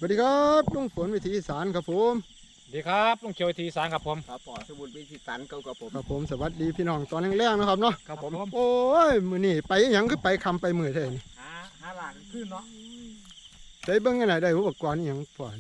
วัสดีครับลุงฝนวิถีอีสานครับผมสวัสดีครับลุงเขียวทีสารครับผมครับปอสมุนวิธีสันเก่ากับผมครับผมสวัสดีพี่น้องตอนแรกๆนะครับเนาะครับผมโอ้ยมื้อนี้ไปหยังคือไปคำไปมือเท่านี่หาหลานขึ้นเนาะได้เบิ่งกันไหนได้อุปกรณ์อหยังพอ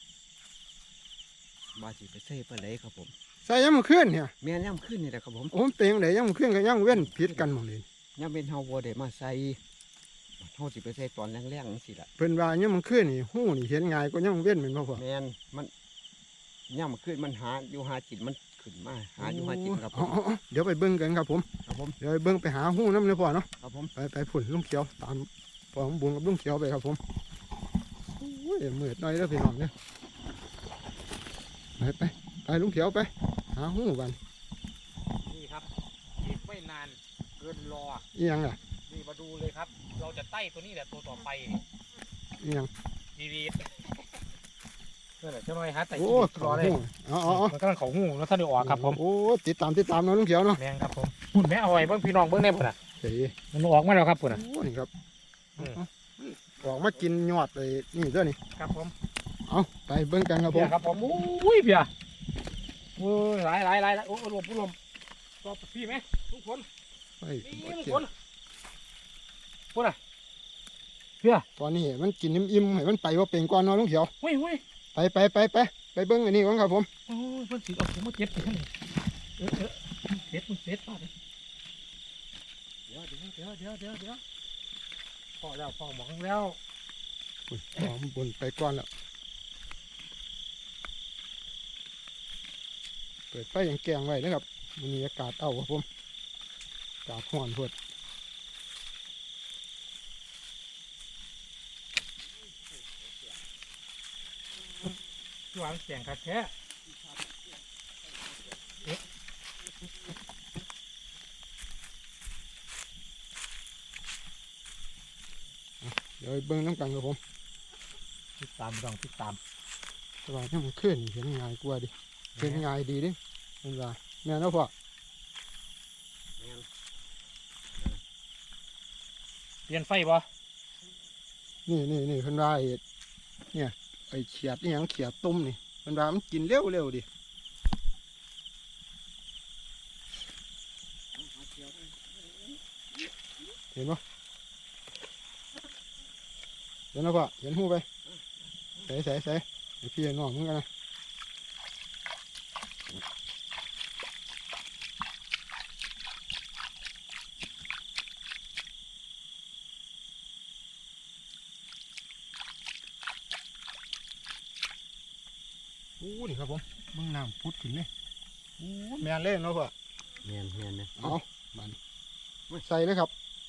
มาสิไปเซ่ปลาไหลครับผมใส่ยังมันขึ้นเนี่ยแม่นย่ำขึ้นนี่แหละครับผมผมเต็งไหนยังมันขึ้นกับยังเว้นผิดกันหมดเลยย่ำเป็นเฮาวัวเดมาใส่เฮาสิไปใส่ตอนแรงๆสิล่ะเพิ่นว่ายังมันขึ้นนี่หู้นี่เห็นง่ายกว่ายังเว้นแม่นบ่พ่อแม่นมันย่ำขึ้นมันหาอยู่หาจิตมันขึ้นมาหาอยู่หาจิตครับผมอ๋อเดี๋ยวไปเบิ่งกันครับผมครับผมเดี๋ยวไปเบิ่งไปหาหู้น้ำเลยพ่อเนาะครับผมไปผุ่นลุงเขียวตามพ่อของบุญกับลุงเขียวไปครับผมโอ้ยมืดหน่อยเด้อพี่น้องเด้อไปลุงเขียวไปหาหู้กันนี่ครับอีกไม่นานเกินรออีหยังอ่ะนี่มาดูเลยครับ เราจะไต่ตัวนี้แหละตัวต่อไปอีหยังดีๆนั่นแหละเจ้าหน่อยฮะแต่โอ้รอเลยอ๋อมันกำลังเขาหูแล้วท่านได้ออกครับผมโอ้ติดตามเนาะลุงเขียวเนาะแมงครับผมหุ่นแม่เอาไว้เบิ่งพี่น้องเบิ่งแน่พุ่นน่ะเฮ้ยมันออกมาแล้วครับพุ่นน่ะโอ้นี่ครับอืมออกมากินยอดเลยนี่เด้อนี่ครับผมเอาไปเบิ่งกันครับผเพียมครับผมอุ้ยเพียโอ้ยหลายโอ้ลมรอพี่ไหมลุงฝนไปนี่ลุงเกี่ฝยวนพุ่นน่ะเพียตอนนี้มันกินอิ่มๆให้มันไปว่าเป็นก่อนเนาะลุงเขียวเฮ้ยไปเบิ่งอันนี้ก่อนครับผมโอ้ยเพิ่นสิเอาผมมาเจ็บไปท่านนี่เผ็ดป้าเลยเดี๋ยวพอแล้วพอหมองแล้วอุ้ยหอมบุญไปก่อนแล้วเปิดไฟอย่างแกงไว้นะครับมันมีอากาศเอาครับผมอากาศร้อนพวดหวานเสียงคักแท้เดี๋ยวไปเบิ่งน้ำกันครับผมติดตามติดตามสบายที่มันขึ้นเห็นง่ายกว่าดิเห็นง่ายดีดิเป็นว่าแม่นเนาะพ่อแม่นเปลี่ยนไฟบ่นี่เพิ่นว่าไอ้เนี่ยไอ้เขียดนี่หยังเขียดต้มนี่เพิ่นว่ามันกินเร็วดิเห็นปะเห็นแล้วพ่อเห็นหูไปใส่ไอ้พี่ไอ้น้องมึงกันนะโอ้นี่ครับผมมึงน้ำพุดขึ้นเลยโอ้แม่นเล่นเนาะพ่อแม่นเนี่ยเอามันใส่เลยครับ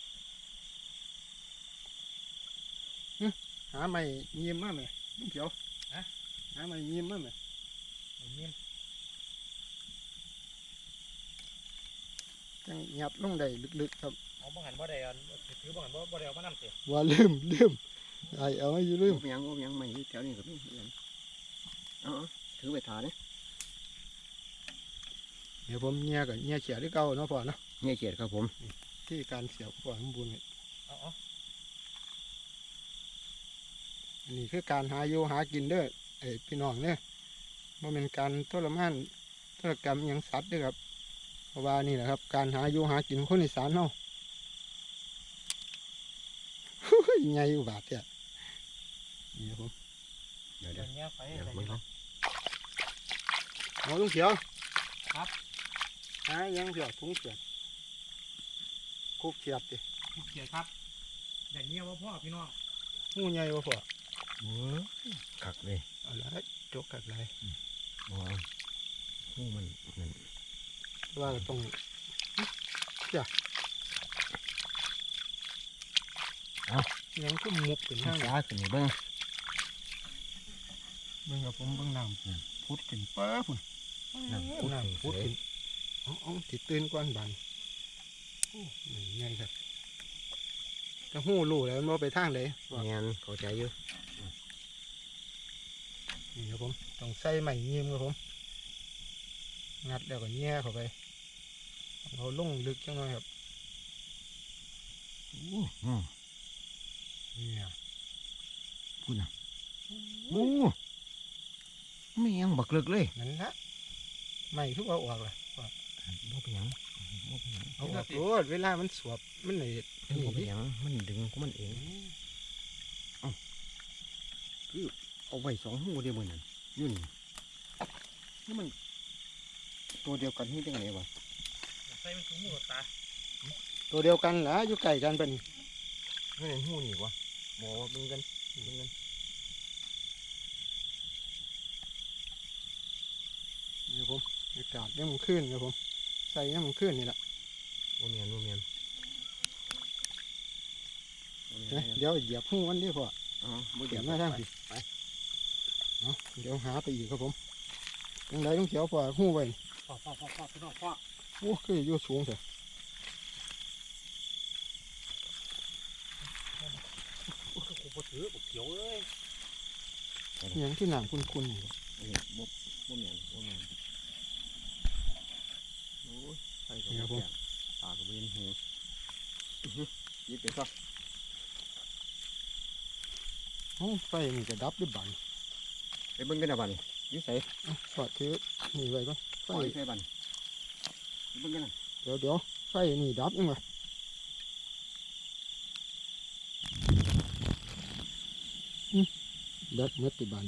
หาไม้ยิ้มมากเลยลุงเขียวหาไม้ยิ้มมากเลยนี่จังหยัดลงได้ลึกๆครับเอาบังหันบ่ได้ถือบังหันบ่ได้เอามานำสิว่าลืมไอเอาไม่อยู่ลืมโอ้ยังไม่แถวนี้ครับนี่เอาถือไปถาเนี่ยเดี๋ยวผมเงียกับเงียเขียที่เก่าเนาะพ่อเนาะเนี่ยเขียดครับผมที่การเสียบพ่อสมบูรณ์นี่เอาอันนี้คือการหาอยู่หากินเด้อไอพี่น้องเนี่ยมันเป็นการทรมานทรกรรมอหยังสัตว์เด้วยครับเพราะว่านี่แหละครับการหาอยู่หากินของคนอีสานเนาะ ไงอุบาทเนี่ยนี่ครับผมเดี๋ยวเดี๋ยวเนี้ยไฟเดี๋ยวอะไรมึงเนาะเอาลุงเขียวครับหายังเสียถุงเสียบคุกเสียบดิเกียรครับอย่างเนี้ยว่าพ่อพี่น้องงูใหญ่บ่พ่อโอ้ขักเลยเอาละจกกัดไรว้าวหูมันว่าก็ต้องยังก็มุกขึ้นข้าข้าง งยาขึ้นนี่เบิ้งเบิ่งกับผมเบิ่งน้ำพุดขึ้นป้าพุ่นน้ำพุดขึ้นเอาติดตื่นกวนบันโอ้ยใหญ่ครับจะหู้รู้แล้วมันบ่ไปทางไหนแม่นเข้าใจอยู่นี่ครับผมต้องใส่ไม้ยิ้มครับผมงัดแล้วก็แย่เข้าไปเอาลงลึกจังหน่อยครับเนี่ยพูดนะโอ้โอ้ไม่ยังบักเลิกเลยนั่นละไม่ทุกเอาออกละว่าบ่เป็นหยังบ่เป็นหยังเอาออกโลดเวลามันสวบมันเลยบ่เป็นหยังมันดึงของมันเองเอ้าคือเอาไว้สองหูเดียวมันนั่นอยู่นี่นี่มันตัวเดียวกันนี่จังไงวะใส่มันถุงมือตาตัวเดียวกันเหรออยู่ไก่กันเป็นไม่เห็นหูนี่วะบ่เบิ่งกันเบิ่งกันนี่ผมอากาศยังมันขึ้นครับผมใส่ยังมันขึ้นนี่แหละบ่แม่นบ่แม่นเดี๋ยวเหยียบหูมันดีพออ๋อบ่เหยีเดี๋ยยบวหน้าทางสิเอาเดี๋ยวหาไปอีกครับผมยังไงต้องเขียวพอหูไว้พ่อพี่น้องพ่อโอ้คืออยู่สูงเถอะโอ้โหบ่ถือบ่เขียวเลยยังที่หนามคุณนี่บ่แม่นบ่แม่นโอ้ยใส่กับบ่แก่ตาก็บ่เห็นหูยิบไปซะโอ้ไฟนี่จะดับด้วยบันไปเบิ่งกันนะบัดนี้อยู่ไสสอดถือนี่ไว้ก่อนไฟปล่อยใส่บัดนี้ไปเบิ่งกันนะเดี๋ยวไฟนี่ดับยังไงดับเมื่อติบัน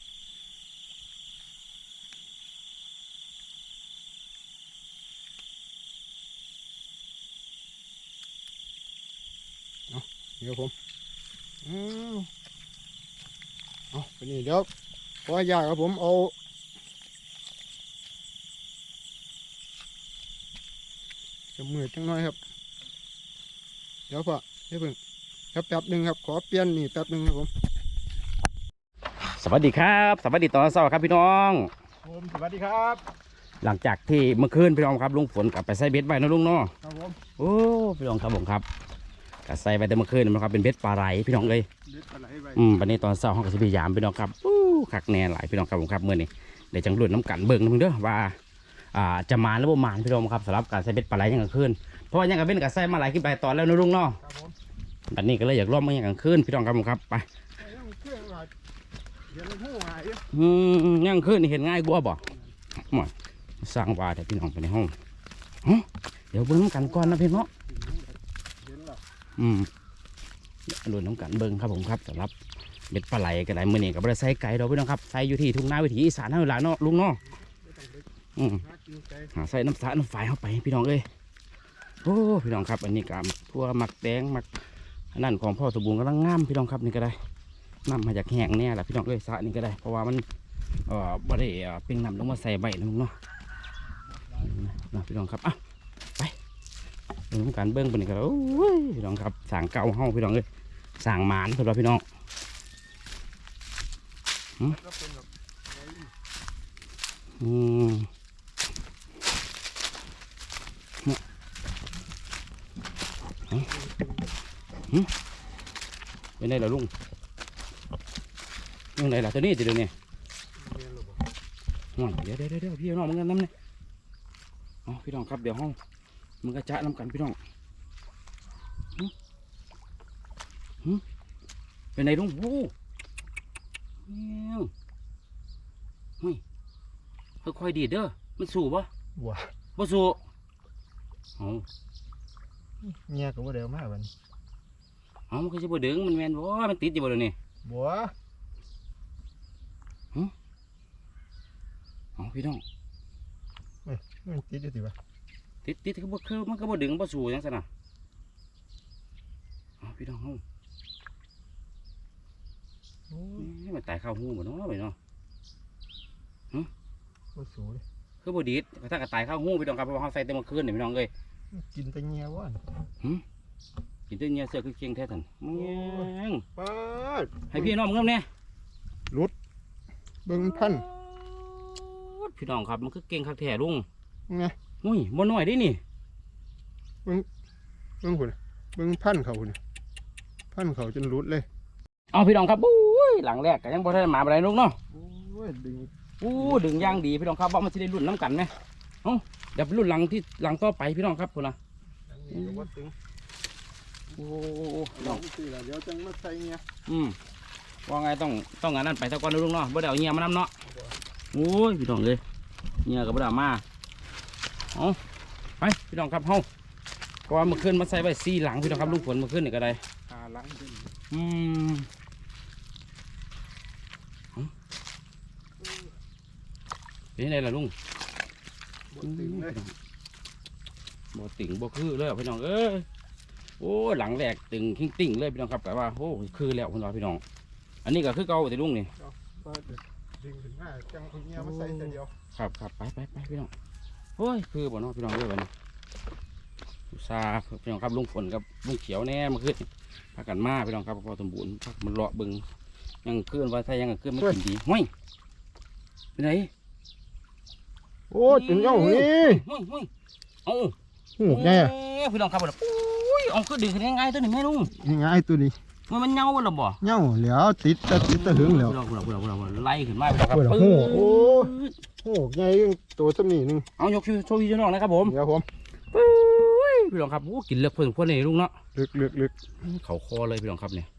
เดี๋ยวผมเอาไปนี่เดี๋ยวพอยากครับผมเอาจะมือจังน้อยครับเดี๋ยวพอเดี๋ยวเพิ่งครับแป๊บหนึ่งครับขอเปลี่ยนนี่แป๊บหนึ่งครับผมสวัสดีครับสวัสดีตอนเช้าครับพี่น้องผมสวัสดีครับหลังจากที่เมื่อคืนพี่น้องครับลุงฝนกลับไปใส่เบ็ดไว้นะลุงเนาะครับผมโอ้พี่น้องครับผมครับก็ใส่ไปแต่เมื่อคืนนะครับเป็นเบ็ดปลาไหลพี่น้องเลยเด็ดปลาไหลไปวันนี้ตอนเช้าห้องกับสิบยามพี่น้องครับคักแน่หลายพี่น้องครับผมครับเมื่อนี้เดี๋ยวจังรุ่นน้ำกันเบิ่งนะมึงเด้อว่าจะมาหรือบ่มาพี่น้องครับสำหรับการใส่เบ็ดปลาไหลยังกลางคืนเพราะว่ายังกับเบ็ดกับใส่มาหลายคลิปหลายตอนแล้วนะลุงเนาะครับผมวันนี้ก็เลยอยากร่วมมายังกลางคืนพี่น้องครับผมครับไปยังเครื่องว่าเดี๋ยวมันหูหายยังกลางคืนนี่เห็นง่ายกว่าบ่หมดสร้างว่าแต่พี่น้องไปในห้องเดี๋ยวเบิ่งน้ำกันก่อนนะพี่เนาะเห็นหรอลุ้นน้ำกันเบิ่งครับผมครับสำหรับเบ็ดปลาไหลกันได้มื้อนี้กับบริษัทไก่เราพี่น้องครับใส่อยู่ที่ทุ่งนาวิถีอีสานเท่าไหร่เนาะลุงเนาะไม่ต้องไปอืมหากินไก่หาใส่น้ำสาน้ำฝายเข้าไปพี่น้องเอ้ยโอ้พี่น้องครับอันนี้ก็ทั่วหมักแดงหมักอันนั้นของพ่อสมบูรณ์กำลังงามพี่น้องครับนี่ก็ได้น้ำมาจากแห้งเนี่ยแหละพี่น้องเอ้ยสระนี่ก็ได้เพราะว่ามันบ่ได้เป็นน้ำลงมาใส่ใบนะลุงเนาะนะพี่น้องครับอ่ะไปดูน้ำกันเบิ่งไปนี่ก็โอ้ยพี่น้องครับสางเก่าเฮาพี่น้องเอ้ยสางหมานสำหรับพี่น้องก็เป็นแบบอืมเป็นไงล่ะลุงยังไงล่ะตัวนี้จะดูเนี่ยเรียนหรอห่วยเดี๋ยวพี่น้องมึงกันน้ำเนี่ยอ๋อพี่น้องครับเดี๋ยวห้องมึงกระจะน้ำกันพี่น้องเป็นไงลุงโอ้เนี่ยเฮ้ยค่อยๆดีดเด้อมันสู้ปะว้าบ่สู้เอาเงียก็ว่าเดี๋ยวมาวันเอามันก็จะบ่ดึงมันแม่นบ่มันติดอยู่บ่เดี๋ยวนี้บัวเอาพี่น้องมันติดอยู่สิวะติดก็บ่คือมันก็บ่ดึงบ่สู้จังซั่นน่ะเอาพี่น้องเฮาโอ้ยมันตายเข้าหูบ่เนาะไปเนาะมันสูเลยคือบ่ดีดถ้าก็ตายเข้าหูพี่น้องครับเพราะว่าเฮาใส่แต่เมื่อคืนนี่พี่น้องเอ้ยกินแต่เงียวะกินแต่เนี่ยเสื้อคือเก่งแท้ท่านแม่งป้าดให้พี่น้องมึงนำแน่เบิ่งพันพี่น้องครับมันคือเก่งคักแท้ลุงไงอุ้ยบ่น้อยเด้นี่เบิ่งหุ่นเบิ่งพันเขาหุ่นพันเขาจนรุดเลยเอาพี่น้องครับอุ้ยหลังแรกก็ยังบ่ทันมาบ่ได้ลุงเนาะโอ้ยดึงดึงย่างดีพี่น้องครับว่ามันจะได้รุ่นน้ำกันไหมเอ้าเดี๋ยวไปรุ่นหลังที่หลังต่อไปพี่น้องครับคุณนะอันนี้ก็ว่าตึงโอ้ลองสิล่ะเดี๋ยวจังมาใส่เงี้ยอืมว่าไงต้องงานนั้นไปตะกอนลุงเนาะบ่ได้เอาเงียมานำเนาะโอ้ยพี่น้องเลยเงียกับบ่ได้เอามาเอาไปพี่น้องครับเฮาเพราะว่าเมื่อคืนมาใส่ไว้4หลังพี่น้องครับลุงฝนเมื่อคืนนี่ก็ได้หาหลังเป็นอืมเป็นไงล่ะลุงบนตึงเลยบ่ติ่งบ่คือเลยพี่น้องเอ้ยโอ้หลังแรกตึงขิงติ่งเลยพี่น้องครับแต่ว่าโอ้คือแล้วพี่น้องพี่น้องอันนี้ก็คือเก่าแต่ลุงนี่ก็ดึงขึ้นมาจังคนเงี้ยมาใส่แต่เดียวครับไปพี่น้องโอ้ยคือบ่เนาะพี่น้องเอ้ยวันนี้อุตส่าห์พี่น้องครับลุงฝนกับลุงเขียวแน่มาขึ้นพากันมาพี่น้องครับพอสมบูรณ์พักมันเลาะเบึงยังขึ้นว่าถ้ายังขึ้นไม่กินดีห้ยไปไหนโอ้ถึงเอ้านี่ห้ยเอาหูแง่พี่น้องครับบ่ล่ะโอ้ยเอาคือดึงขึ้นง่ายๆตัวนี้แม่ลุงยังไงตัวนี้มันเหงาบ่ล่ะบ่เงี้ยวเหลียวติดตะหึงเหลียวพี่น้องไล่ขึ้นมาพี่น้องครับเปิดปึ้หูงโอ้โหใหญ่ตัวสมีหนึ่งเอายกโชว์พี่น้องนะครับผมเดี๋ยวผมพี่น้องครับโอ้กินเลือกเพิ่นพวกนี้ลุงเนาะลึกเขาคอเลยพี่น้องครับเนี่ย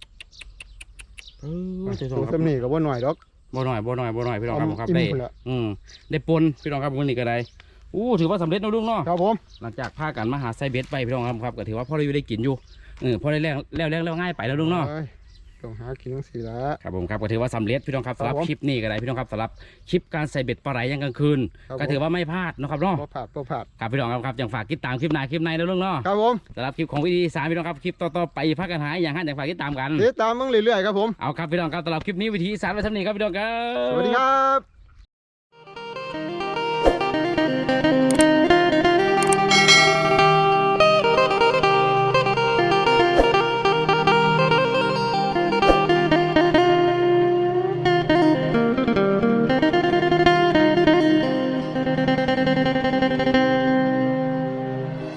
ตัวสมีกับว่าหน่อยดอกบ่หน่อยพี่น้องครับผมครับอิ่มได้พุ่นละได้ปนพี่น้องครับวันนี้ก็ได้ถือว่าสำเร็จนะลุงเนาะครับผมหลังจากพากันมาหาไซเบสไปพี่น้องครับก็ถือว่าพ่อได้อยู่ได้กินอยู่พอได้แล้วง่ายไปแล้วลุงเนาะเอ้ยต้องหากินทั้งสี่ละครับผมครับก็ถือว่าสำเร็จพี่น้องครับสำหรับครับผมคลิปนี้ก็ได้พี่น้องครับสำหรับคลิปการใส่เบ็ดปลาไหลยังกลางคืนครับก็ถือว่าไม่พลาดนะครับเนาะบ่ผาดครับพี่น้องครับยังฝากติดตามคลิปหน้านะลุงเนาะครับผมสำหรับคลิปของวิธีสามพี่น้องครับคลิปต่อๆไปพักกันหายอย่างนั้นอยากฝากติดตามกันติดตามมึงเรื่อยๆครับผมเอาครับพี่น้องครับสำหรับคลิปนี้วิธีสามไว้เท่านี้ครับพี่น้องครับสวัสดีครับ